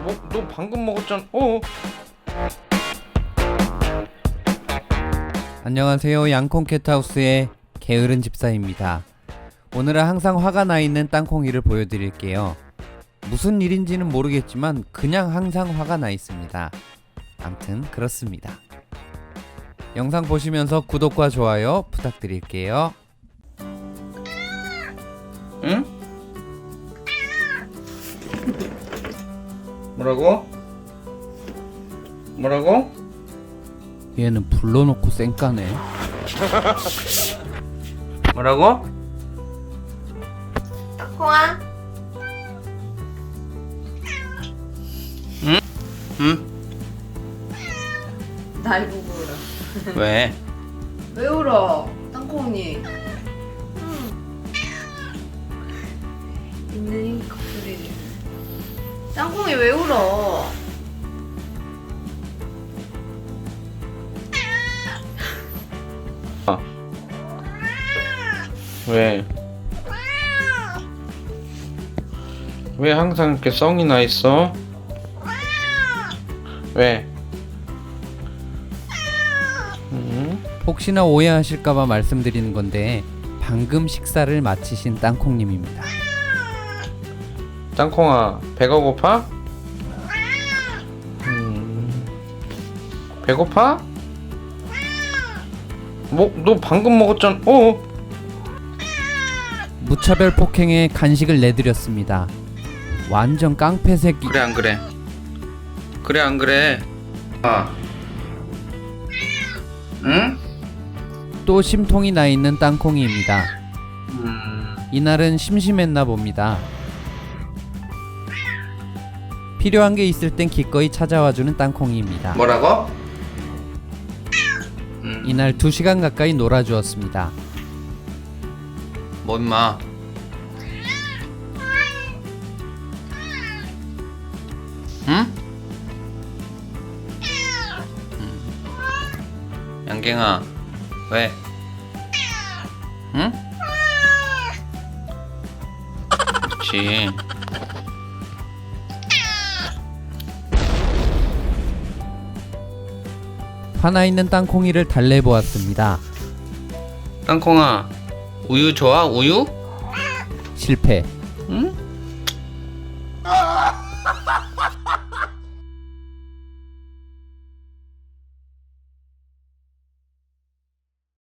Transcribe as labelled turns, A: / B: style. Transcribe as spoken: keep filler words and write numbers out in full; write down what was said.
A: 뭐, 너 방금 먹었잖아. 어?
B: 안녕하세요. 양콩 캣하우스의 게으른 집사입니다. 오늘은 항상 화가 나 있는 땅콩이를 보여드릴게요. 무슨 일인지는 모르겠지만 그냥 항상 화가 나 있습니다. 암튼 그렇습니다. 영상 보시면서 구독과 좋아요 부탁드릴게요.
A: 응? 뭐라고? 뭐라고?
B: 얘는 불러놓고 쌩까네.
A: 뭐라고?
C: 땅콩아?
A: 응? 응?
C: 날 보고 울어.
A: 왜?
C: 왜 울어? 땅콩이. 있는 커플이. 땅콩이 왜 울어?
A: 왜? 왜 항상 이렇게 썽이 나 있어? 왜? 응?
B: 혹시나 오해하실까봐 말씀드리는 건데 방금 식사를 마치신 땅콩님입니다.
A: 땅콩아, 배가 고파? 음, 배고파? 뭐, 너 방금 먹었잖아. 어?
B: 무차별 폭행에 간식을 내드렸습니다. 완전 깡패 새끼.
A: 그래 안 그래? 그래 안 그래? 아, 응?
B: 또 심통이 나 있는 땅콩이입니다.
A: 음,
B: 이날은 심심했나 봅니다. 필요한 게 있을 땐 기꺼이 찾아와주는 땅콩이입니다.
A: 뭐라고? 음,
B: 이날 두 시간 가까이 놀아주었습니다.
A: 뭐 임마? 응? 음. 양갱아, 왜? 응? 그렇지.
B: 화나 있는 땅콩이를 달래보았습니다.
A: 땅콩아, 우유 좋아? 우유?
B: 실패.
A: 응?